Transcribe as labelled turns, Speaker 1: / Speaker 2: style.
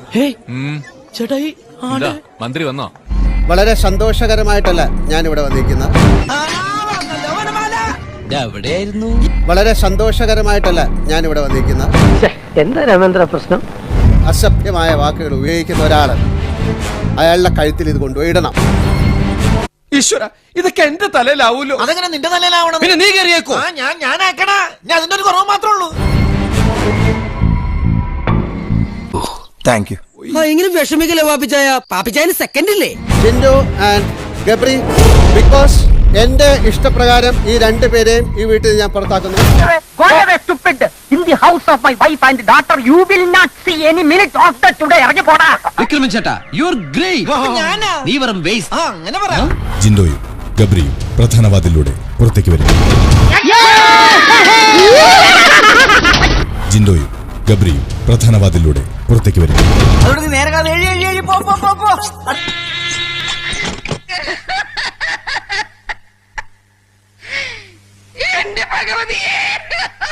Speaker 1: ചേട്ടായി
Speaker 2: മന്ത്രി വന്നോ?
Speaker 3: വളരെ സന്തോഷകരമായിട്ടല്ല ഞാനിവിടെ വന്നിരിക്കുന്നത്.
Speaker 1: എവിടെയായിരുന്നു?
Speaker 3: വളരെ സന്തോഷകരമായിട്ടല്ല ഞാനിവിടെ വന്നിരിക്കുന്നത്.
Speaker 4: എന്താ രാമേന്ദ്ര പ്രശ്നം?
Speaker 3: അസഭ്യമായ വാക്കുകൾ ഉപയോഗിക്കുന്ന ഒരാള് അയാളുടെ കഴുത്തിൽ ഇത് കൊണ്ടുപോയി ഇടണം.
Speaker 5: ഈശ്വര, ഇതൊക്കെ എന്റെ തലയിലാവൂലോ.
Speaker 1: അതെങ്ങനെ നിന്റെ തലയിലാവണം?
Speaker 5: പിന്നെ നീ കയറിയേക്കോ?
Speaker 1: ഞാനാക്കണ, ഞാൻ അതിന്റെ ഒരു കുറവ് മാത്രമേ ഉള്ളൂ.
Speaker 5: Thank you.
Speaker 4: ഇങ്ങനെ വിഷമിക്കല്ലേ പാപ്പിച്ചായ? പാപ്പിച്ചായന് സെക്കൻഡ് ഇല്ലേ?
Speaker 3: ജിൻഡോ ആൻഡ് ഗബ്രി, ബിക്കോസ് എന്റെ ഇഷ്ടപ്രകാരം ഈ രണ്ടുപേരെയും ഈ വീട്ടിൽ ഞാൻ പുറത്താക്കുന്നു.
Speaker 1: വിക്രമൻ ചേട്ടാ, യു ആർ ഗ്രേറ്റ്. നീ വെറും വേസ്റ്റ്. അങ്ങനെ പറ.
Speaker 6: ജിൻഡോയും ഗബ്രിയും പ്രധാന വാതിലൂടെ പുറത്തേക്ക് വരും. ജിൻഡോയും ഗബ്രിയും പ്രധാന വാതിലൂടെ പുറത്തേക്ക് വരും.
Speaker 1: അതോട് നേരെ കാലം എഴി പോ.
Speaker 7: എന്റെ ഭഗവതിയെ